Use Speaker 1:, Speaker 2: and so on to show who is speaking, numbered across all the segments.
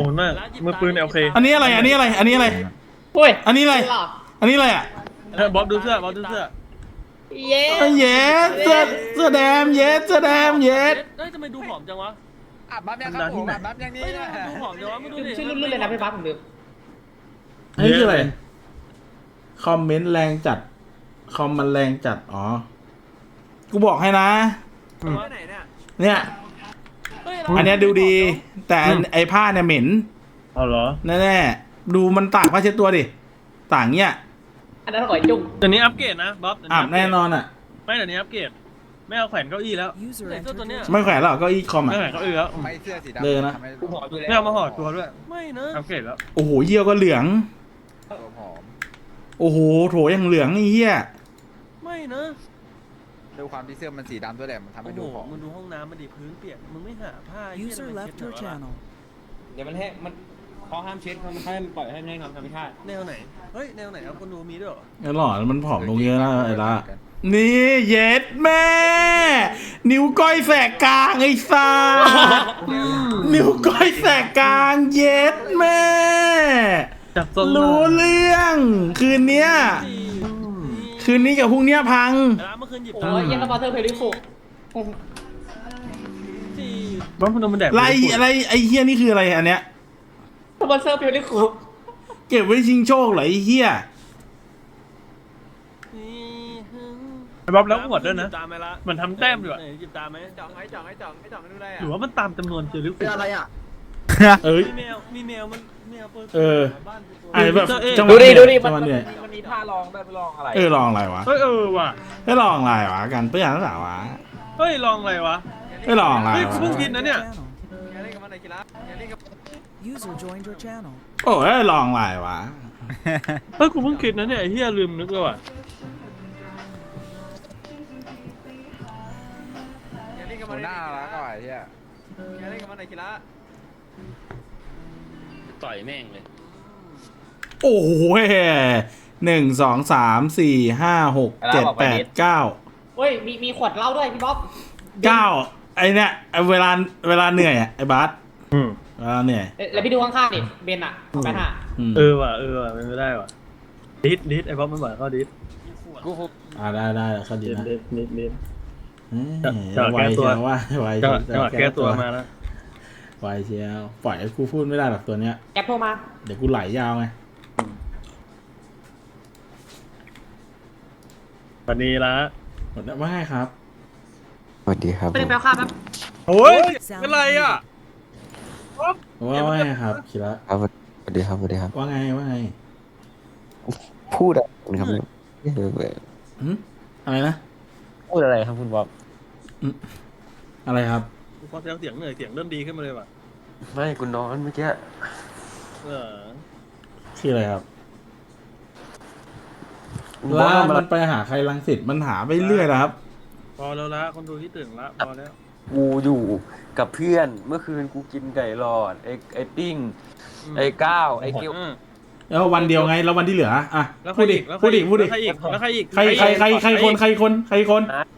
Speaker 1: คุณมากมือปืนโอเค
Speaker 2: อันนี้อะไรอันนี้อะไรอันนี้อะไร
Speaker 3: โอ้ย
Speaker 2: อันนี้อะไร
Speaker 3: หลอก
Speaker 2: อันนี้อะไรอ่ะ
Speaker 1: บ๊อบดูเสื้อบ๊อบดูเสื้อ
Speaker 3: เย้
Speaker 2: เย้เสื้อแดงเย้เสื้อแดงเย้
Speaker 4: เฮ้ยทำไมดูผอมจังวะ
Speaker 5: อัดบัฟยังครับผมอัดบัฟยังนี่
Speaker 4: เฮ้ยทำไมดูผอมจังวะมึงดูดิ
Speaker 3: ชื่อรุ่นเลยนะพี่บัสผมลืม
Speaker 2: อันนี้คืออะไรคอมเมนต์แรงจัดคอมมันแรงจัดอ๋อกูบอกให้นะ
Speaker 5: ไหนเนี่ย
Speaker 2: เนี่ย
Speaker 4: เฮ้ย
Speaker 2: อันเนี้ยดูดี แต่ไอ้ผ้าเนี่ยเหม็น
Speaker 1: เอาเหรอ
Speaker 2: แน่ๆดูมันตากผ้าเช็ดตัวดิต่างเนี้ย
Speaker 3: อันนั้นก่อยจุ่ม
Speaker 1: เดี๋ยวนี้อัปเกรดนะบ๊อบ
Speaker 2: อาบแน่นอนอ่ะ
Speaker 1: ไม่เดี๋ยวนี้อัปเกรดไม่เอาแขวนเก้าอี้แล้ว
Speaker 4: ไหนเสื้อตัวเนี้ย
Speaker 2: ไม่แขวนหรอกเก็อีคอม
Speaker 1: ไม่
Speaker 2: อ่ะ
Speaker 1: แขวนเก้าอี้แล้ว
Speaker 5: ไม่เสื้อสีดำ
Speaker 2: เลยนะ
Speaker 5: ทำให้
Speaker 3: กูหอมอยู่แล้ว
Speaker 1: ไม่เอามาห่อตัวด้วย
Speaker 4: ไม่นะ
Speaker 1: อัปเกรดแล้ว
Speaker 2: โอ้โหเยี่ยวก็เหลือง
Speaker 5: ตัวผอม
Speaker 2: โอ้โหโถยังเหลืองไอ้เหี้ย
Speaker 4: ไม่นะ
Speaker 5: ด้วยความที่เสื้อมันสีดำด้วยแหละมันทำ
Speaker 4: โอ้
Speaker 5: ให้
Speaker 4: โห
Speaker 5: ดูผอม
Speaker 4: มึงดูห้องน้ำมันดิพื้นเปียกมึงไม่หาผ้า
Speaker 6: User left your channel.
Speaker 7: เดี๋ยวมันให้มันเขาห้ามเช็ดเขาให้ปล่อยให้ทำธรรมชาติ
Speaker 4: แนวไหนเฮ้ยแนวไหนเอาคนดูมีด้วยเหรอ
Speaker 2: ไอ้หล่อมันผอมลงเยอะนะไอ้ละนี่เย็ดแม่ นิ้วก้อยแสกกลางไอ้สัสนิ้วก้อยแสกกลางเย็ดแม่
Speaker 1: จับทรง
Speaker 2: รู้เรื่อง คืนเนี้ย คืนนี้กับพรุ่งเนี้ยพัง
Speaker 4: ร้านเมื่อคืนหยิบ
Speaker 3: โอ้ยยังกับบอเตอร์เพลิโค
Speaker 4: สี่
Speaker 1: บ๊อบพนมมันแดด
Speaker 2: อะไรไอ้เฮียนี่คืออะไรอันเนี้ย
Speaker 3: สปอนเซอร์เพลิโค
Speaker 2: เก็บไว้ชิงโชคเหรอไอ้เฮีย
Speaker 1: บ๊อบแล้วหมดด้วยนะ
Speaker 4: ตามไหมละ
Speaker 1: มันทำแต้มอยู่อะ
Speaker 4: หยิบตามไหม
Speaker 5: จ่องไอ้จ่องไม่ดูได้
Speaker 1: หรือว่ามันตามจำนวนเจอหรือเป
Speaker 5: เป็น
Speaker 1: ล่า
Speaker 5: อะไรอ่ะ
Speaker 2: เอ้ย
Speaker 4: มีแมวมันแมวเปิด
Speaker 2: เออ
Speaker 4: บ้านกูตัว
Speaker 2: ไอ้แบบจังห
Speaker 3: ดู
Speaker 2: วะ
Speaker 3: ดิ
Speaker 2: เหนื่อย
Speaker 3: ดูดิ
Speaker 2: จังหวะเหนื่อย
Speaker 3: มันมีท่าลองได้ไปลองอะไร
Speaker 2: ลองอะไรวะ
Speaker 1: เฮ้ยว่ะ
Speaker 2: ลองอะไรวะกันเพื่อนหรือเปล่าวะ
Speaker 1: เฮ้ยลองอะไรวะ
Speaker 2: ลองอะไร
Speaker 1: เฮ้ยกู
Speaker 2: วะ
Speaker 1: เพิ่งกินนะเนี่ย
Speaker 5: อย่าเล่นกับมันเลยคิระอย่าเล่นกับ
Speaker 6: User joined your channel.
Speaker 2: โอ้ยลองอะไรวะ
Speaker 1: เฮ้ยกูเพิ่งคิดนะเนี่ยไอ้เหี้ยลืมนึกเลยว่ะ
Speaker 5: อย่าเล่นกับมันหน้าละก่อนไอ้เหี้ยอย่าเล่นกับมันเลยคิระ
Speaker 7: ต่อยแม่งเลย
Speaker 2: โอ้โห1 2 3 4 5 6 7 8 9
Speaker 3: เฮ้ยมีขวดเหล้าด้วยพี่บ๊อบ
Speaker 2: 9ไอเนี่ยเวลาเหนื่อยอ่ะไอ้บาสเวลาเหนื่อย
Speaker 3: แล้วพี่ดูข้างๆดิเบนอะแบนอะ
Speaker 1: ว่ะเป็นไม่ได้ว่ะดิสไอ้บ๊อบมันบอกเขาดิส
Speaker 5: กูหุบ
Speaker 2: ได้เขาดีนะ
Speaker 1: ดิส
Speaker 2: ไวเชียวว่าไว
Speaker 1: จังหวะแก้ตัวมาแล้ว
Speaker 2: ไวเชียวปล่อยให้กูพูดไม่ได้หรอกตัวเนี้ย
Speaker 3: แอปโทรมา
Speaker 2: เดี๋ยวกูไหลยาวไง
Speaker 1: วันนี้ละ
Speaker 2: หมดแล้วว่าไงครับ
Speaker 8: สวัสดีครับ
Speaker 3: ไปเดินไปเอาข้าวแป๊บ
Speaker 1: โอ้ยเป็นไรอ่ะ
Speaker 2: ว่าไงครับคิระ
Speaker 8: ครับสวัสดีครับสวัสดีครับ
Speaker 2: ว่าไง
Speaker 8: พูดอะไรครับ
Speaker 2: อะไรนะ
Speaker 7: พูดอะไรครับคุณบ๊อบ
Speaker 2: อะไรครับ
Speaker 1: พอเสียงเหนื่อยเสียงเริ่มดีขึ้นมาเลยว่ะ
Speaker 8: ไม่กูนอนเมื่อกี้
Speaker 2: คืออะไรครับแล้วมันไปหาใครรังสิตมันหาไปเรื่อยนะครับ
Speaker 1: พอแล้วละคนดูที่ตื่นละพอแล้ว
Speaker 8: กูอยู่กับเพื่อนเมื่อคืนกูกินไก่หลอดไอ้ปิ้งไอ้ก้าวไอ้เกี๊ยว
Speaker 2: แล้ววันเดียวไงแล้ววันที่เหลืออ่ะ
Speaker 1: แล้ว
Speaker 2: พูดดิ
Speaker 1: แล้ว
Speaker 2: พูดดิ
Speaker 1: ใครอีกแล้วใครอีก
Speaker 2: ใครคนไม่ใครอีกใคร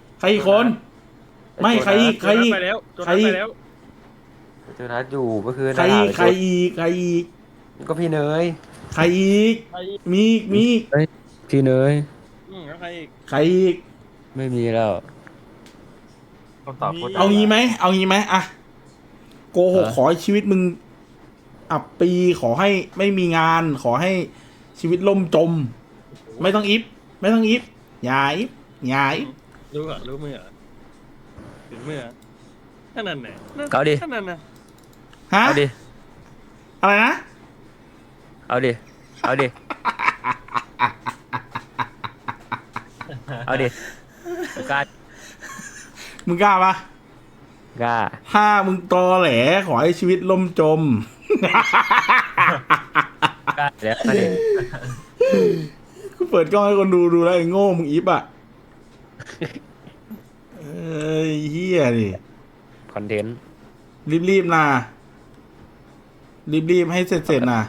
Speaker 2: อีก
Speaker 1: ไปแล้ว
Speaker 8: เจอนัดอยู่เมื่อคืน
Speaker 2: ใครอีก
Speaker 8: ก็พี่เนย
Speaker 2: ใครอีกมีอีก
Speaker 8: พี่เนย
Speaker 1: แล้วใครอีก
Speaker 2: ใครอีก
Speaker 8: ไม่มีแล้วคำตอบ
Speaker 2: เอางี้ไหมอะโกหกขอให้ชีวิตมึงอับปีขอให้ไม่มีงาน ขอให้ชีวิตล่มจม ไม่ต้องอิฟอย่าอิฟ
Speaker 1: รู้เหรอรู้มือเหรอถึงมือแค่นั้นไหน
Speaker 8: เอาดิ
Speaker 1: แค่นั้นนะ
Speaker 2: ฮะ
Speaker 8: เอาดิ
Speaker 2: อะไรนะ
Speaker 8: เอาดิเอาดิเอาดิกล้า
Speaker 2: มึงกล้าปะ
Speaker 8: กล้า
Speaker 2: ถ้ามึงตอแหลขอให้ชีวิตล่มจม
Speaker 8: กล้าแล้วมาดิ
Speaker 2: กูเปิดกล้องให้คนดูแล้วไอ้โง่มึงอิฟอ่ะเอ้ยเฮียดิ
Speaker 8: คอนเทนต์
Speaker 2: รีบนะรีบให้เสร็จนะ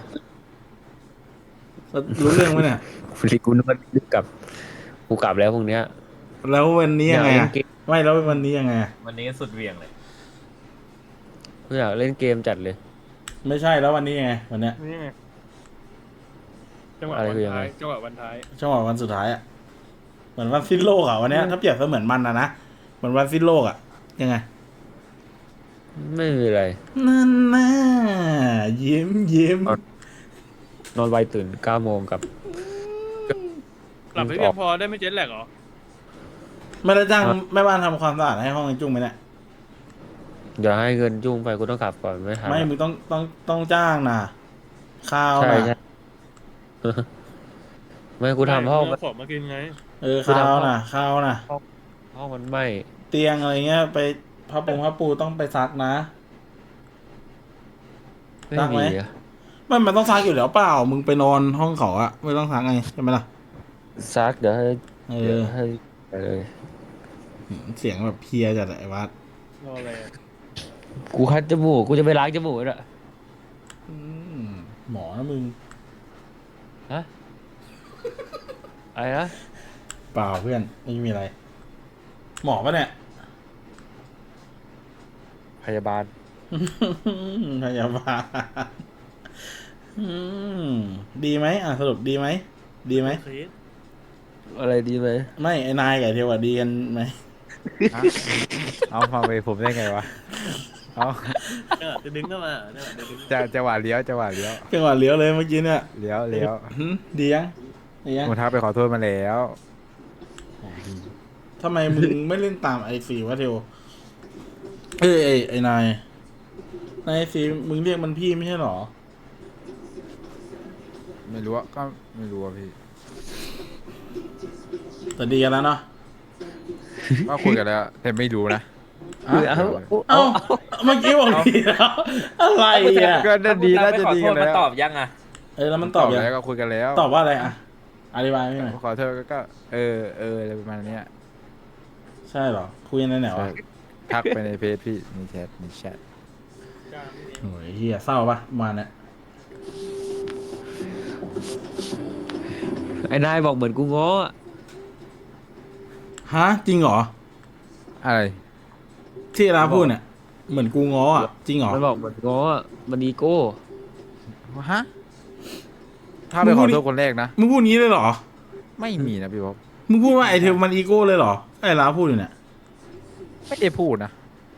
Speaker 2: รู้เรื่องไหมเนี่ย
Speaker 8: กูนึกว่ากูกลับแล้วพรุ่งเนี้ย
Speaker 2: แล้ววันนี้ยังไง
Speaker 8: อยากเล่
Speaker 2: อะ
Speaker 8: นเกม
Speaker 2: ไม่แล้ววันนี้ยังไงอะ
Speaker 7: วันนี้สุดเวียงเลย
Speaker 8: กูอยากเล่นเกมจัดเลย
Speaker 2: ไม่ใช่แล้ววันนี้ไงวันเนี้ย
Speaker 1: นี่ไงจังหวะ
Speaker 7: อะไร
Speaker 1: วัน
Speaker 7: คือยัง
Speaker 1: ท้า
Speaker 7: ไง
Speaker 1: ยจังหวะวันท้าย
Speaker 2: ช่วงวันสุดท้ายอ่ะเหมือนวันสิ้นโลกอ่ะวันเนี้ยถ้าเปรียบเสมือนมันนะเหมือนวันสิ้นโลกอ่ะยังไง
Speaker 7: ไม่มีอะไร
Speaker 2: นั่นน่ะยิ้มยิ้ม
Speaker 7: เอา นอนไวตื่น9 โมงกับ
Speaker 1: หลับให้เพียงพอได้ไม่เจ็ตแลกเหรอ
Speaker 2: ไม่ได้จ้างแม่บ้านทำความสะอาดให้ห้องไอ้จุ้งไหมเนี่ย
Speaker 7: อย่าให้เงินจุ้งไปกูต้องกลับก่อนไม่ทัน
Speaker 2: ไม่มึงต้องจ้างนะข้าว
Speaker 7: ใช่
Speaker 2: นะ
Speaker 7: ใช่ ไม่กูทำห้อง
Speaker 1: ไม่เอาของมากินไง
Speaker 2: ข้าวนะข้าวนะ
Speaker 7: ห้องมันไหม่
Speaker 2: เตียงอะไรเงี้ยไปผ้าปูต้องไปซักนะ
Speaker 7: ไม่
Speaker 2: ซักไหม
Speaker 7: มีอะ
Speaker 2: มันต้องซักอยู่แล้วเปล่ามึงไปนอนห้องเขาอะไม่ต้องซักไงใช่ไหมล่ะ
Speaker 7: ซักเดี๋ยวให้
Speaker 2: เอ
Speaker 7: เดี๋ยว
Speaker 2: อ
Speaker 7: ให้ไปเลย
Speaker 2: เสียงแบบเพลียจัดอะไอ้วัด
Speaker 1: รออะไรอะ
Speaker 7: กูคัดจมูกกูจะไปล้างจมูกแล้ว
Speaker 2: อืมหมอนะมึง
Speaker 7: ฮะอะไรนะ
Speaker 2: เปล่าเพื่อนไม่มีอะไร หมอปะเนี่ย
Speaker 7: พยาบาล
Speaker 2: พยาบาลดีไหมสรุปดีไหมดีไหม
Speaker 1: เคส
Speaker 7: อะไรดีไหม
Speaker 2: ไม่ไอ้นายกับไอ้เทวอะดีกันไหม
Speaker 5: เอาฟังไปผมได้ไงวะเอา
Speaker 1: จะดึงเข้ามาเนี่ยจะดึง
Speaker 5: จะหวาดเลี้ยวจะหวาดเลี้ยว
Speaker 2: จังหวะเลี้ยวเลยเมื่อกี้เนี่ย
Speaker 5: เลี้ยวเลี้ยว
Speaker 2: ดียังดียัง
Speaker 5: ผมทักไปขอโทษมาแล้ว
Speaker 2: ทำไมมึงไม่เล่นตามไอซีวะเทวไอ้นายนายไอซีมึงเรียกมันพี่ไม่ใช่หรอ
Speaker 5: ไม่รู้อะก็ไม่รู้อะพี่
Speaker 2: แต่ดีกันแล้วเนาะ
Speaker 5: ก็คุยกันแล้วแต่ไม่รู้นะ
Speaker 7: คือเอา
Speaker 2: เอ้าเมื่อกี้บอกดีแล้วอะไรอ่ะ
Speaker 5: ก็น่าดีน่าจะดีกันแล้ว
Speaker 3: ตอบยังอ่ะ
Speaker 2: แล้วมันตอบยัง
Speaker 5: แล้วก็คุยกันแล้ว
Speaker 2: ตอบว่าอะไรอ่ะอธิบายไม่หน่อย
Speaker 5: ขอโทษก็อะไรประมาณเนี้ย
Speaker 2: ใช่เหรอคุยในไหนวะ
Speaker 5: ทักไปในเพจพี่ในแชท
Speaker 2: โอ้ยเฮียเศร้าปะประมาณเนี้ย
Speaker 7: ไอ้นายบอกเหมือนกูง้ออะ
Speaker 2: ฮะจริงเหรอ
Speaker 5: อะไร
Speaker 2: ที่ร้าพูดเนี่ยเหมือนกูง้ออ่ะจริงเหรอ
Speaker 7: มันบอกเหมือนง้ออะมันอีโก้
Speaker 5: ฮะถ้าไปขอโทษคนแรกนะ
Speaker 2: มึงพูดงี้เลยเหรอ
Speaker 5: ไม่มีนะพี่บ๊อบ
Speaker 2: มึงพูดว่าไอเทลมันอีโก้เลยเหรอไอ้ร้าพูดอยู่เนี่ย
Speaker 5: ไม่ได้พูดนะ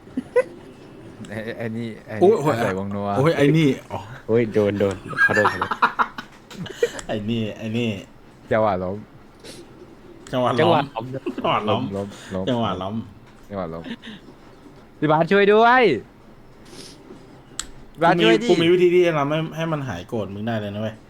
Speaker 5: ไอ้นี่
Speaker 2: โอ้ยโอ้ย
Speaker 5: ใส่วงนัว
Speaker 2: โอ้ยไอ้นี่อ๋อ
Speaker 7: โอ้ยโดนขอโทษ
Speaker 2: ไอ้นี่
Speaker 5: จังหวะล้ม
Speaker 2: จังหวะ
Speaker 7: จัง
Speaker 2: ล้
Speaker 7: ห
Speaker 2: อ
Speaker 7: วะ
Speaker 2: มจังหวะล้อม
Speaker 5: ล้ม
Speaker 2: จังหวะล้อม
Speaker 5: จังหวะล้มพี่บาสช่วยด้วยพี่บาสช่วยดิ
Speaker 2: กูมีวิธีที่จะทำให้มันหายโกรธมึงได้เลยนะเว้ย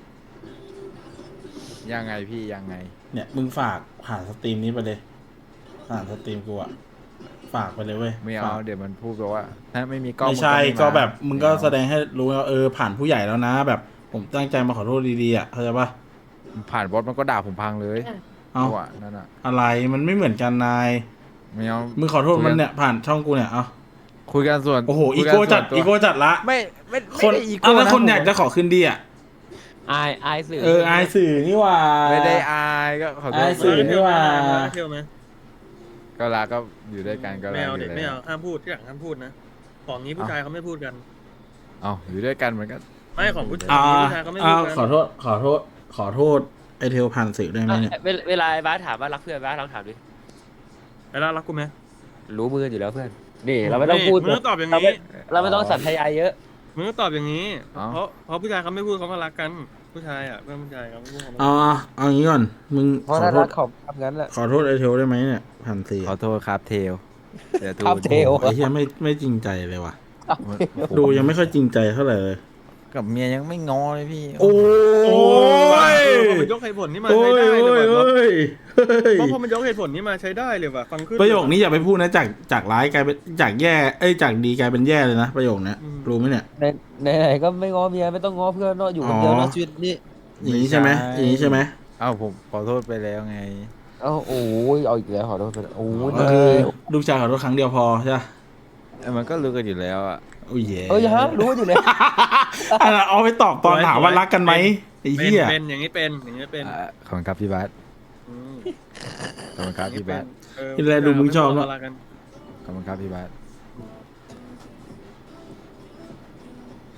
Speaker 5: ยังไงพี่ยังไง
Speaker 2: เนี่ยมึงฝากผ่านสตรีมนี้ไปเลยผ่านสตรีมกูอะฝากไปเลยเว้ย
Speaker 5: ไม่เอา
Speaker 2: ฝาก
Speaker 5: เดี๋ยวมันพูดแบบว่าถ้าไม่มีกล้อง
Speaker 2: ไม่ใช่
Speaker 5: น
Speaker 2: ก็
Speaker 5: มา
Speaker 2: แบบมึงก็
Speaker 5: ไเอา
Speaker 2: แสดงให้รู้ว่าผ่านผู้ใหญ่แล้วนะ แบบผมตั้งใจมาขอโทษดีๆอ่ะเข้าใจปะ
Speaker 5: ผ่านบอสมันก็ด่าผมพังเลย
Speaker 2: เอา
Speaker 5: จังหวะนั่นอ่ะ
Speaker 2: อะไรมันไม่เหมือนกันนาย
Speaker 5: ไม่เอา
Speaker 2: มึงขอโทษมันเนี่ยผ่านช่องกูเนี่ยเอา
Speaker 5: คุยกันส่วน
Speaker 2: โอ้โห
Speaker 5: คุ
Speaker 2: อี
Speaker 5: ยน
Speaker 2: โก้จัด
Speaker 5: ส่วนตัว
Speaker 2: อีโก้จัดละ
Speaker 5: ไม่
Speaker 2: คน
Speaker 5: ได้อีโก้
Speaker 2: เอาแล้ว
Speaker 5: ะ
Speaker 2: คน
Speaker 5: ผม
Speaker 2: อยากจะขอคืนดีอ่ะ
Speaker 7: อายสื่อ
Speaker 2: อายสื่อนี่หว่า
Speaker 5: ไม่ได้อายก็ขอโทษ
Speaker 2: อายสื่อ นี่หว่า
Speaker 1: เที่ยวไหม
Speaker 5: ก็รักก็อยู่ด้วยกันก็รั
Speaker 1: ไม่
Speaker 5: ก
Speaker 1: เอา
Speaker 5: อ
Speaker 1: เด็
Speaker 5: ยู่
Speaker 1: กไม่
Speaker 5: แล้ว
Speaker 1: เอาห้ามพูดที่หลังห้ามพูดนะของนี้ผู้ชายเขาไม่พูดกัน
Speaker 5: เอาอยู่ด้วยกันเหมือนกัน
Speaker 1: ไม่ของผู้ชาย
Speaker 2: อ่า
Speaker 1: ผู้ชายเขาไม่พูดกัน
Speaker 2: ขอโทษไอเทลผ่านสื่อได้ไหมเนี่ย
Speaker 7: เวลาไอ้บาสถามว่ารักเพื่อนบาสลองถามดิ
Speaker 1: ไอ้ล่ารักกูไหม
Speaker 7: รู้มืออยู่แล้วเพื่อน นี่เราไม่ต้องพูด
Speaker 1: มึงต้องตอบอย่าง
Speaker 7: เรา
Speaker 1: นี้
Speaker 7: ไม่ต้องสัตยายเยอะ
Speaker 1: มึงต้องตอบอย่างนี้ เพราะผู้ชายเขาไม่พูดเขาก็รักกัน ผู้ชายอ่ะเพื่อนผู้ชายเขาไม่พูดเขาไม่
Speaker 2: เอาอย่างนี้ก่อนมึง
Speaker 7: เพ
Speaker 2: ข
Speaker 7: ราะ
Speaker 2: อ
Speaker 7: ถ้า
Speaker 2: โท
Speaker 7: รั
Speaker 2: ษ
Speaker 7: กเขาทำงั้นแหละ
Speaker 2: ขอโทษไอเทลได้ไหมเนี่ยผ่านสื่อ
Speaker 5: ขอโทษครับเทลเดี๋ยวดู
Speaker 7: ครับเทล
Speaker 2: ไอ้เหี้ยไม่จริงใจเลยว่ะ ดูยังไม่ค่อยจริงใจเท่าไหร่เลย
Speaker 5: กับเมียยังไม่งอเลยพี่
Speaker 2: โอ้ย
Speaker 1: พอมันยกเหตุผลนี้มา
Speaker 2: โอ้
Speaker 1: ใช้
Speaker 2: ย
Speaker 1: ได้เลย
Speaker 2: โอ้
Speaker 1: ว่ะ
Speaker 2: ยโอ้ยเฮ้ย
Speaker 1: เพราะพอมันยกเหตุผลนี้มาใช้ได้เลยว่ะฟังขึ้น
Speaker 2: ประโยคนี้อย่าไปพูดนะจากร้ายกลายเป็นจากแย่จากดีกลายเป็นแย่เลยนะประโยคเนี้ยรู้ไหมเนี่ย
Speaker 7: ไหนๆก็ไม่ง้อเมียไม่ต้องง้อเพื่อนเนาะอยู่คนเดียวเนาะชีวิตนี้
Speaker 2: อย่างนี้ใช่ไหมอย่างนี้ใช่ไหม
Speaker 5: เอ้าผมขอโทษไปแล้วไง
Speaker 7: เอ้าโอ้ยเอาอีกแล้วขอโทษโอ้ย
Speaker 2: ก็คือลูกชายขอโทษครั้งเดียวพอใช่ไหม
Speaker 5: มันก็รู้กันอยู่แล้วอ่ะ
Speaker 2: โอ้ยเย่
Speaker 7: เอ้ยฮะรู้อยู่เลย
Speaker 2: อันนั้นเอาไปตอบตอนถามว่ารักกันไหมไอ้
Speaker 1: เป็น
Speaker 2: เหี้ย
Speaker 1: เป็นอย่างนี้เป็นอย่างนี้เป็น
Speaker 5: ขอบคุณครับพี่บาส
Speaker 1: อืม
Speaker 5: ขอบคุณครับพี่บาส
Speaker 2: กินอะไรดูมึงชอบเนอะ
Speaker 1: รักกัน
Speaker 5: ขอบคุณครับพี่บาส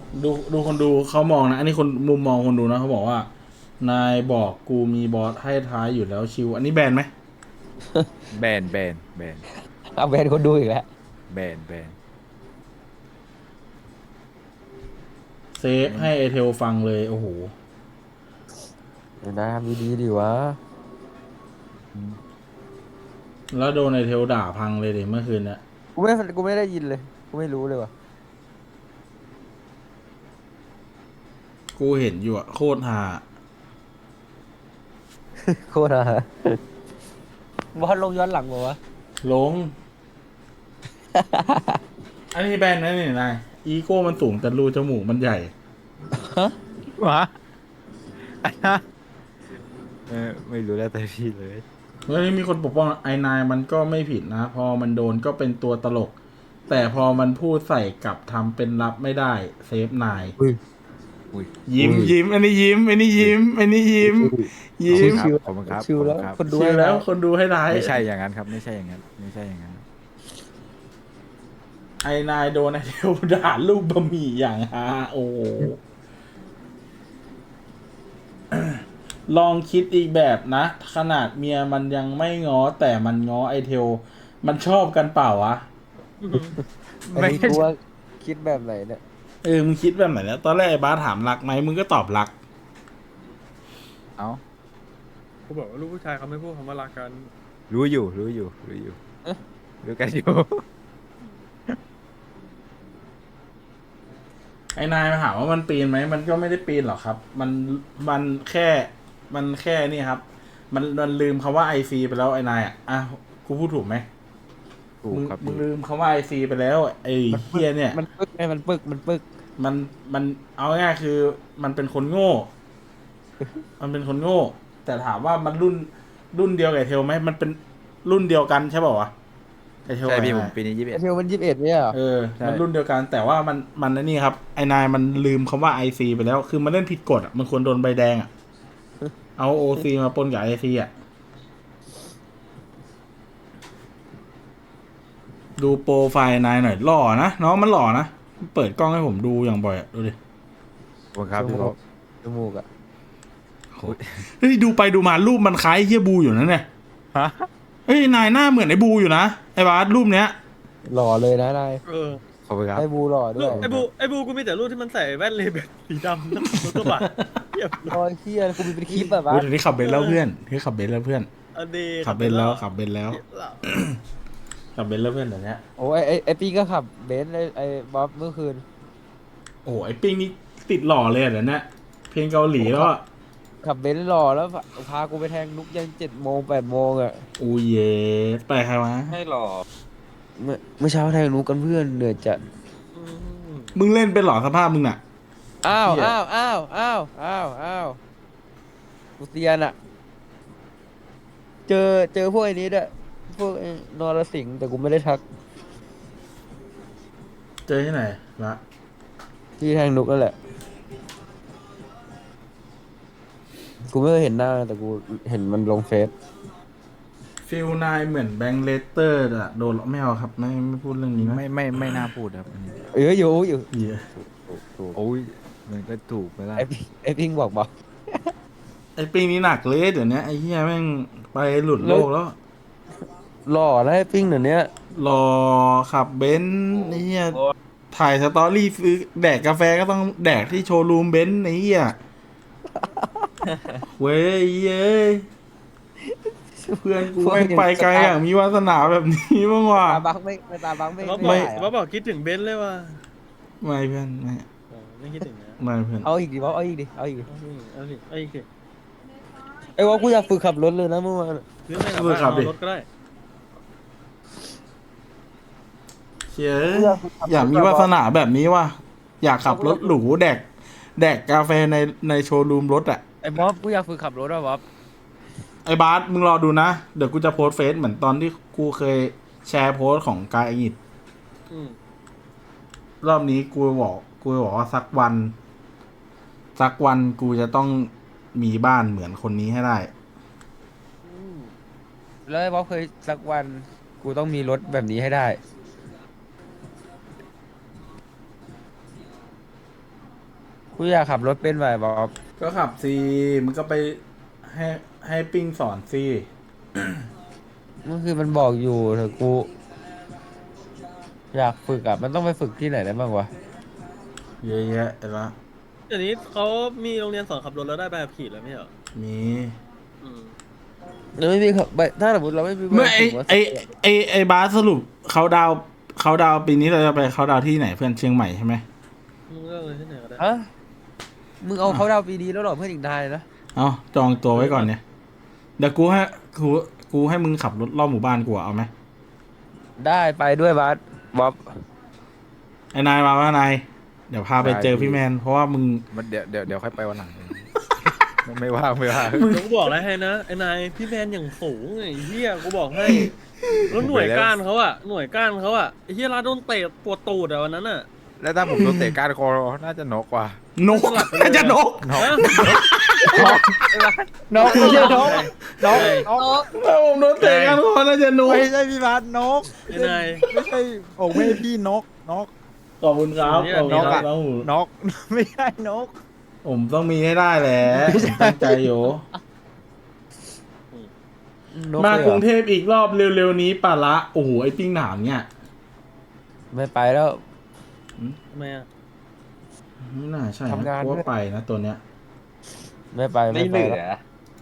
Speaker 2: ดูคนดูเขามองนะ อันนี้คนมุมมองคนดูนะเขาบอกว่า นายบอกกูมีบอสให้ท้ายอยู่แล้วชิว อันนี้แบนไหม
Speaker 5: แบน
Speaker 7: เอาแบนคนดูอีกแล้ว
Speaker 5: แบน
Speaker 2: เซฟให้ไอเทลฟังเลยโอ้โห
Speaker 8: เดี๋ยวนะทำดีๆดีวะ
Speaker 2: แล้วโดนไอเทลด่าพังเลยเมื่อคืนเนี่ย
Speaker 8: กูไม่ได้ยินเลยกูไม่รู้เลยว่ะ
Speaker 2: กูเห็นอยู่อะโคตรฮา
Speaker 8: โคตรอะ
Speaker 7: บอลลงย้อนหลังบอกว่า
Speaker 2: ลง อันนี้แบนนะนี่นายอีโก้มันสูงแต่รูจมูกมันใหญ่
Speaker 5: วะไม่รู้แล้วแต่พี่เลย
Speaker 2: เฮ้ยมีคนปกป้องไอนายมันก็ไม่ผิดนะ พอมันโดนก็เป็นตัวตลก แต่พอมันพูดใส่กลับทำเป็นรับไม่ได้เซฟนาย
Speaker 5: อุ้ย
Speaker 2: ยิ้มอันนี้ยิ้มอันนี้ยิ้มอันนี้ยิ้มยิ้ม
Speaker 5: ขอบคุณครับ
Speaker 8: ชิวแล้ว
Speaker 5: ขอบ
Speaker 8: ค
Speaker 5: คุณ
Speaker 8: น
Speaker 5: ครับ
Speaker 8: ดู
Speaker 2: เชียร์แล้วคนดูให้ร้าย
Speaker 5: ไม่ใช่อย่างนั้นครับ ไม่ใช่อย่างนั้น
Speaker 2: ไอนายโดนไอเทลด่าลูกบะหมี่อย่างฮาโอ้โห ลองคิดอีกแบบนะ ขนาดเมียมันยังไม่ง้อแต่มันง้อไอเทล มันชอบกันเปล่าวะ
Speaker 8: ไม่รู้ว่าคิดแบบไหนเนี่ย
Speaker 2: มึงคิดแบบไหนแล้วตอนแรกไอ้บ้าสถามรักไหมมึงก็ตอบรัก
Speaker 5: เอ้า
Speaker 1: เขาบอกว่าลูกผู้ชายเขาไม่พูดคำว่ารักกัน
Speaker 5: รู้อยู่รู้กันอยู่
Speaker 2: ไอ้นายมาถามว่ามันปีนไหมมันก็ไม่ได้ปีนหรอกครับ มันแค่นี่ครับ มันลืมคำว่าไอซีไปแล้วไอ้นายอ่ะกูพูดถูกไหม
Speaker 5: ถูกครับ
Speaker 2: มึงลืมคำว่าไอซีไปแล้วไอ้เฮียเนี่ย
Speaker 8: มันปึกไงมันปึก
Speaker 2: มันเอาง่ายๆคือ มันเป็นคนโง่ มันเป็นคนโง่ แต่ถามว่ามันรุ่นเดียวกับไอ้เทลไหมมันเป็นรุ่นเดียวกันใช่ป่าวะไอเทล
Speaker 5: ใช่พี่
Speaker 2: ไอ้
Speaker 5: ผม
Speaker 2: นาย
Speaker 5: ปีนี้
Speaker 8: ไอเทลมัน21เนี่ยเหรอ
Speaker 5: ใช่
Speaker 2: มันรุ่นเดียวกัน แต่ว่ามันนี่ครับ ไอ้นายมันลืมคำว่าไอซีไปแล้ว คือมันเล่นผิดกฎอ่ะ มันควรโดนใบแดงอ่ะ เอาโอซีมาปนกับไอซีอ่ะ ดูโปรไฟล์นายหน่อยหล่อนะน้องมันหล่อนะ เปิดกล้องให้ผมดูอย่างบ่อยอะดูดิ
Speaker 5: ขอบคุณครับพี่บ๊อบ
Speaker 8: จมูกอะ
Speaker 2: เฮ้ยดูไปดูมารูปมันคล้ายเฮียบูอยู่นะเนี่ย
Speaker 5: ฮะ
Speaker 2: เฮ้ยนายหน้าเหมือนไอ้บูอยู่นะไอ้บาสรูปเนี้ย
Speaker 8: หล่อเลยนะนาย
Speaker 1: เออ
Speaker 5: ขอบคุณครับ
Speaker 8: ไอ้บูหล่อด้วย
Speaker 1: ไอ้บูกูมีแต่รูปที่มันใส่แว่นเลเบลสีดำนะรถกระบะเทียบ
Speaker 8: โอ้ยเฮียกูมีเป็นคลิปแบบว่า
Speaker 2: เฮ้ยเดี๋ยวนี้ขับเบนซ์แล้วเพื่อนที่ขับเบนซ์แล้วเพื่อน
Speaker 1: อันดี
Speaker 2: ขับเบนซ์แล้วขับเบนซ์แล้วขับเบนซ์แล้วเพื่อนเดี๋ยวนี้
Speaker 8: โอ้ยไอ้ปีก็ขับเบนซ์ไอ้บ๊อบเมื่อคืน
Speaker 2: โอ้โหไอ้ปิ้งนี่ติดหล่อเลยอะเดี๋ยวนี้เพลงเกาหลีแล้วอะ
Speaker 8: ขับเบนซ์หล่อแล้วพากูไปแทงนุกยัน7 โมง 8 โมงอะ
Speaker 2: อูเย่ไปใครวะ
Speaker 7: ให้หล่อ
Speaker 8: เมื่อเช้าแทงนุกกันเพื่อนเหนื่อยจัด
Speaker 2: มึงเล่นเป็นหล่อสภาพมึงน่ะ
Speaker 8: อ้าว
Speaker 2: เหี้ย
Speaker 8: อ้าวกูเซียนอะเจอพวกไอ้นี้ด้วยพวกไอ้นรสิงห์แต่กูไม่ได้ทัก
Speaker 2: เจอที่ไหนละ
Speaker 8: ที่แทงนุกนั่นแหละ กูไม่เคยเห็นหน้าแต่กูเห็นมันลงเฟซ
Speaker 2: ฟิลนายเหมือนแบงค์เลสเตอร์อะโดนไม่เอาครับไม่พูดเรื่องนี้นะ
Speaker 5: ไม่น่าพูดครับอันนี้
Speaker 8: อยู่
Speaker 2: เหี้ย
Speaker 5: โอ้ยมันก็ถูกไปแล้ว
Speaker 8: ไอ้พิงบอก
Speaker 2: ไอ้ปิ้งนี่หนักเลยเดี๋ยวนี้ไอ้เหี้ยแม่งไปหลุดโลกแล้ว
Speaker 8: หล่อแล้วไอ้พิงเดี๋ยวนี้
Speaker 2: รอขับเบนซ์ไอ้เหี้ยถ่ายสตอรี่ซื้อแดกกาแฟก็ต้องแดกที่โชว์รูมเบนซ์ไอ้เหี้ยเว้ยเย้ยเพื่อนกูแม่งไปไกลอย่างมีวาสนาแบบนี้บ้างว่ะ
Speaker 8: ตาบักไม่ตาบักไม่
Speaker 1: ว่าบ
Speaker 8: ไม่
Speaker 1: อก
Speaker 8: ได้
Speaker 1: ว่าบอกคิดถึงเบนซ์เลยว่ะ
Speaker 2: ไม่เพื่อนไม่
Speaker 1: ไม่คิดถึงนะ
Speaker 2: ไม่เพื่อน
Speaker 8: เอาอีกดิเอาอีกดิ
Speaker 1: เอาสิไอ้สิ
Speaker 8: ไอ้ว่ากูอยากฝึกขับรถเลยนะเมื่อวาน
Speaker 1: ซื้อไม่ขับบ้านเอารถก็ได้
Speaker 2: เชี่ยอยากมีวาสนาแบบนี้ว่ะอยากขับรถหรูแดกกาแฟในโชว์รูมรถอ่ะ
Speaker 8: ไอ้บ๊อบกูอยากฝึกขับรถอ่ะบ๊อบ
Speaker 2: ไอ้บาสมึงรอดูนะ เดี๋ยวกูจะโพสต์เฟซเหมือนตอนที่กูเคยแชร์โพสต์ของกายอิด
Speaker 1: อืม
Speaker 2: รอบนี้กูบอกว่าสักวันกูจะต้องมีบ้านเหมือนคนนี้ให้ได้
Speaker 8: แล้วไอ้บ๊อบเคยสักวันกูต้องมีรถแบบนี้ให้ได้กูอยากขับรถเป็นไหวบ๊อบ
Speaker 2: ก็ขับซีมึงก็ไปให้ให้ปิ้งสอนซี
Speaker 8: เมื่อคืนมันบอกอยู่เถอะกูอยากฝึกอ่ะมันต้องไปฝึกที่ไหนได้บ้างวะ
Speaker 2: เยอะแยะละ
Speaker 1: เดี๋ยวนี้เขามีโรงเรียนสอนขับรถแล้วได้ใบขับขี่แล้วไม่เหรอ
Speaker 2: มี
Speaker 1: อืม
Speaker 8: เราไม่มีขับถ้าสมมติเราไม่มี
Speaker 2: เมื่อไอ
Speaker 8: ขับ
Speaker 2: ไอบาสสรุปเขาดาวปีนี้เราจะไปเขาดาวที่ไหนเพื่อนเชียงใหม่ใช่ไหม
Speaker 1: มึงเลือกเลยที่ไหนก็ได้
Speaker 8: ฮะมึงเอาเขาดาวปีดีแล้วเหรอเพื่อนอีกนายนะ
Speaker 2: เอาจองตัวไว้ก่อนเนี่ยเดี๋ยวกูให้มึงขับรถรอบหมู่บ้านกูอะเอาไหม
Speaker 8: ได้ไปด้วยบาสบ๊อบ
Speaker 2: ไอ้นายมาว่านายเดี๋ยวพาไปเจอพี่แมนเพราะว่ามึง
Speaker 5: มันเดี๋ยวค่อยไปวันหลัง ไม่ว่าง
Speaker 1: เดี๋ยวกูบอกอะไรให้นะไอ้นายพี่แมนอย่างสูงไอ้เหี้ยกูบอกให้แล้วหน่วยก้านเขาอะไอ้เหี้ยลาโดนเตะปวดตูดอะวันนั้นอะ
Speaker 5: แล้วถ้าผมโดนเตะก้านคอน่าจะนกกว่า
Speaker 2: นกน่าจะนก
Speaker 1: ฮะ
Speaker 8: น้องไม่ใช่น้อง
Speaker 5: นก
Speaker 2: ถ้าผมโดนเตะกันก็น่าจะนก
Speaker 5: ไม่ใช่พี่บาสนก
Speaker 1: ไอ้นาย
Speaker 5: ไม่ใช่โอ้ไม่ใช่พี่นก
Speaker 2: ขอบคุณครับขอบคุณครับน้องหมู
Speaker 5: นก ไม่ใช่นก
Speaker 2: ผมต้องมีให้ได้แหละผมตั้งใจอยู่
Speaker 8: นก
Speaker 2: มา
Speaker 8: เลย
Speaker 2: ก
Speaker 8: เหร
Speaker 2: รุ
Speaker 8: อง
Speaker 2: เทพอีกรอบเร็วๆนี้ป่ะละโอ้โหไอ้ปิ้งหนามเนี่ย
Speaker 8: ไม่ไปแล้ว
Speaker 1: ทำไมอะ
Speaker 2: ไม่น่าใช่
Speaker 8: ทำงาน
Speaker 2: เพราะว่าไปนะตัวเนี้ย
Speaker 8: ไม่ไปแล้ว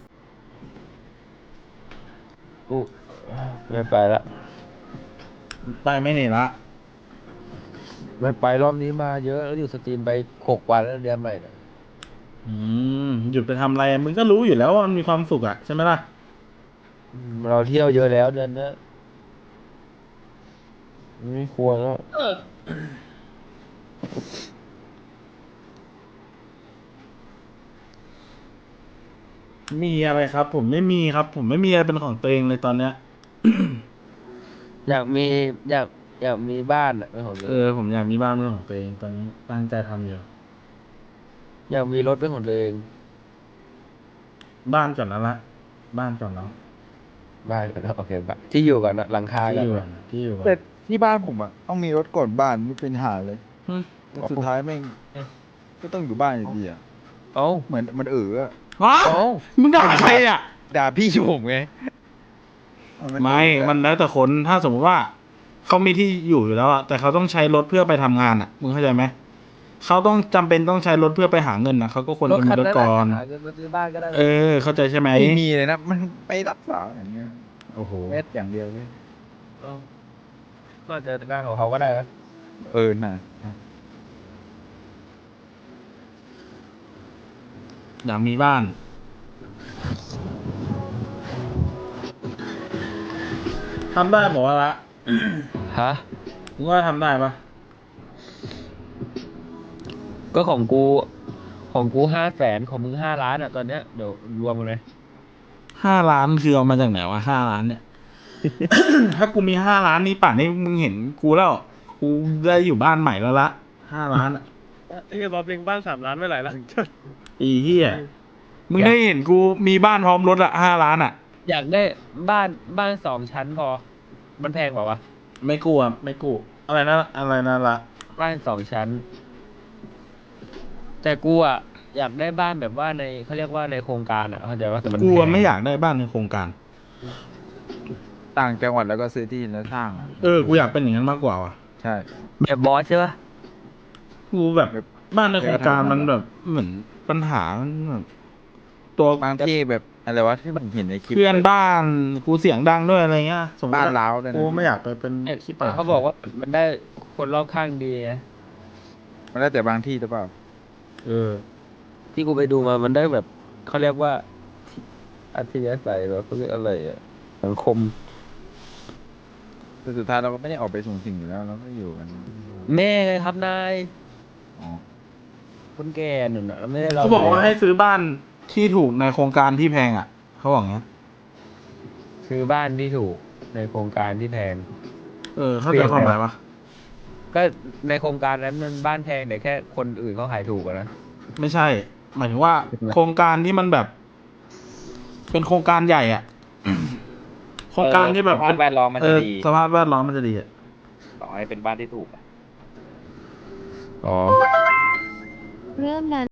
Speaker 8: กูไม่ไปละ
Speaker 2: ไปไม่หนีละ
Speaker 8: ไม่ไปรอบนี้มาเยอะแล้วอยู่สตรีมไป6 วันแล้วเดือนใหม่เนี่ย
Speaker 2: หยุดไปทำอะไรมึงก็รู้อยู่แล้วว่ามันมีความสุขอะใช่ไหมล่ะ
Speaker 8: เราเที่ยวเยอะแล้วเดือนนี้ไม่ควรแล้ว
Speaker 2: มีอะไรครับ ผมไม่มีครับ ผมไม่มีอะไรเป็นของตัวเองเลยตอนเนี้ย
Speaker 8: อยากมีบ้านอ่ะเป็นของตัวเอง
Speaker 2: ผมอยากมีบ้านเป็นของตัวเองตอนนี้ตั้งใจทำอยู่
Speaker 8: อยากมีรถเป็นของตัวเอง
Speaker 2: บ้านก่อนแล้วละบ้านก่อนแล้ว
Speaker 8: บ้านก็ได้โอเคบ้านที่อยู่ก่อนนะหลังคา
Speaker 2: ที่
Speaker 8: กัน
Speaker 2: อยู่ก่อนที่อยู่ก่อน
Speaker 5: แต่ที่บ้านผมอ่ะต้องมีรถก่อนบ้านไม่เป็นหาเลย
Speaker 2: หึ
Speaker 5: แต่สุดท้ายแม่งก็ต้องอยู่บ้านอยู่ดีอ่ะ
Speaker 8: เอ้า
Speaker 5: เหมือนมันอะ
Speaker 2: วะ
Speaker 8: เอ้า
Speaker 2: มึงด่าใครอ่ะ
Speaker 5: ด่าพี่ผมไง
Speaker 2: ไม่มันแล้วแต่คนถ้าสมมติว่าเขามีที่อยู่แล้วอะแต่เขาต้องใช้รถเพื่อไปทำงานอะมึงเข้าใจไหมเขาต้องจำเป็นต้องใช้รถเพื่อไปหาเงินนะเขาก็ควรจะมีรถก่อน
Speaker 8: หาเงินมาซื้อบ้านก็ได้
Speaker 2: เข้าใจใช่ไหม
Speaker 5: ไม่มีเลยนะ มันไปรักษาอย่างเงี้ย
Speaker 2: โอ้โห
Speaker 5: แค่อย่างเดียวเลย
Speaker 8: ก็จะบ้านของเขาก็ได้นะ
Speaker 5: น่ะ
Speaker 2: อยากมีบ้านทำได้บอกว่าละ
Speaker 8: ฮะ
Speaker 2: มึงว่าทำได้ปะ
Speaker 8: ก็ของกู500,000ของมึง5 ล้านอ่ะตอนเนี้ยเดี๋ยวรวมกันเลย
Speaker 2: 5 ล้านคือเอามาจากไหนวะ5 ล้านเนี่ย ถ้ากูมี5 ล้านนี่ป่านนี้มึงเห็นกูแล้วกูได้อยู่บ้านใหม่แล้วละ5 ล้านอะ
Speaker 1: ไอ้เหี้ยบอสเล็งบ้าน3 ล้านไม่ไหลละ
Speaker 2: อีเหี้ยมึงได้เห็นกูมีบ้านพร้อมรถอะ5 ล้านอะ
Speaker 8: อยากได้บ้าน2 ชั้นพอ มันแพงกว่าวะ
Speaker 2: ไม่กู้อะไม่กู้อะไรนะละ
Speaker 8: บ้าน2 ชั้น แต่กูอ่ะอยากได้บ้านแบบว่าในเขาเรียกว่าในโครงการอ่ะเข้าใจว่าแต่มัน
Speaker 2: กู
Speaker 8: แพ
Speaker 2: อะ
Speaker 8: ง
Speaker 2: ไม่อยากได้บ้านในโครงการ
Speaker 5: ต่างจังหวัดแล้วก็ซื้อที่แล้วสร้างอะ
Speaker 2: กูอยากเป็นอย่างนั้นมากกว่าว่ะ
Speaker 5: ใช่
Speaker 8: แบบบอสใช่ปะ
Speaker 2: กูแบบบ้านในโครงการมันแบบเหมือนปัญหามันแบบตัว
Speaker 5: บางที่แบบอะไรวะที่ผมเห็นในคลิป
Speaker 2: เพื่อนบ้านกูเสียงดังด้วยอะไรเงี้ยสมมติ
Speaker 5: บ้านร้าวด้วยนะ
Speaker 2: กูไม่อยากไปเป็นขี้ปาก
Speaker 8: เขาบอกว่ามันได้คนรอบข้างดีไง
Speaker 5: มันแล้วแต่บางที่หรือเปล่า
Speaker 8: ที่กูไปดูมามันได้แบบเขาเรียกว่าอัธยาศัยแบบเขาเรียกอะไรอ่ะสังคม
Speaker 5: แต่สุดท้ายเราก็ไม่ได้ออกไปสูงสิ่งอยู่แล้วเราก็อยู่กัน
Speaker 8: แม่ไงครับนาย
Speaker 5: อ๋อ
Speaker 8: คนแก่หนุนนะไม่ได้เรา
Speaker 2: เขาบอกว่าให้ซื้อบ้านที่ถูกในโครงการที่แพงอ่ะเขาบอกงั้น
Speaker 8: คือบ้านที่ถูกในโครงการที่แพง
Speaker 2: เข้าใจความหมายปะ
Speaker 8: ก็ในโครงการนั้นมันบ้านแพงแต่แค่คนอื่นเขาขายถูกอะนะ
Speaker 2: ไม่ใช่ หมายถึงว่า โครงการที่มันแบบ เป็นโครงการใหญ่อ่ะ โครงการที่แบบ
Speaker 7: สภาพแวดล้อมมันจะดี
Speaker 2: สภาพแวดล้อมมันจะดีอ่ะ
Speaker 7: ต่อให้เป็นบ้านที่ถูกอะ
Speaker 8: อ๋อ
Speaker 9: เริ่มนั้น